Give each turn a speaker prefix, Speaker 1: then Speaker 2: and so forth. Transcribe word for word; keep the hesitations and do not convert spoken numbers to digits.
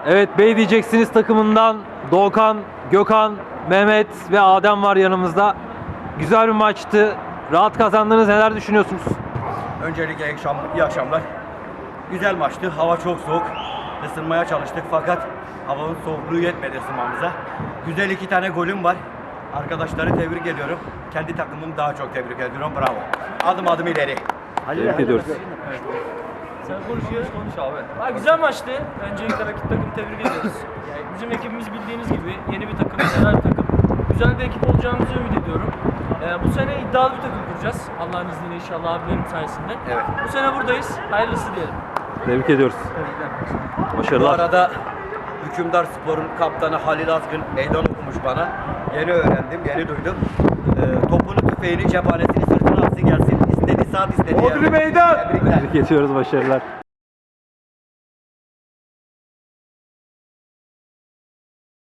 Speaker 1: Evet, Bey diyeceksiniz takımından Doğukan, Gökhan, Mehmet ve Adem var yanımızda. Güzel bir maçtı. Rahat kazandınız. Neler düşünüyorsunuz?
Speaker 2: Öncelikle iyi, akşam, iyi akşamlar. Güzel maçtı. Hava çok soğuk. Isınmaya çalıştık fakat havanın soğukluğu yetmedi ısınmamıza. Güzel iki tane golüm var. Arkadaşları tebrik ediyorum. Kendi takımımı daha çok tebrik ediyorum. Bravo. Adım adım ileri.
Speaker 1: Tebrik ediyoruz.
Speaker 3: Sen konuşuyoruz, konuş abi. Ha, güzel maçtı. Öncelikle rakip takımı tebrik ediyoruz. Yani bizim ekibimiz bildiğiniz gibi yeni bir takım, güzel bir takım. Güzel bir ekip olacağımızı ümit ediyorum. Ee, bu sene iddialı bir takım kuracağız. Allah'ın izniyle inşallah abilerim sayesinde.
Speaker 2: Evet.
Speaker 3: Bu sene buradayız. Hayırlısı diyelim.
Speaker 1: Tebrik ediyoruz.
Speaker 2: Bu
Speaker 1: Başarılar.
Speaker 2: arada Hükümdar Spor'un kaptanı Halil Azgın meydan okumuş bana. Yeni öğrendim, yeni duydum. Ee, topunu, tüfeğini, cephanesini sırtına alsın gelsin. İstediği saat istediği
Speaker 1: Bodrum
Speaker 2: yerde.
Speaker 1: meydan!
Speaker 2: Tebrikler.
Speaker 1: Tebrik ediyoruz. Başarılar.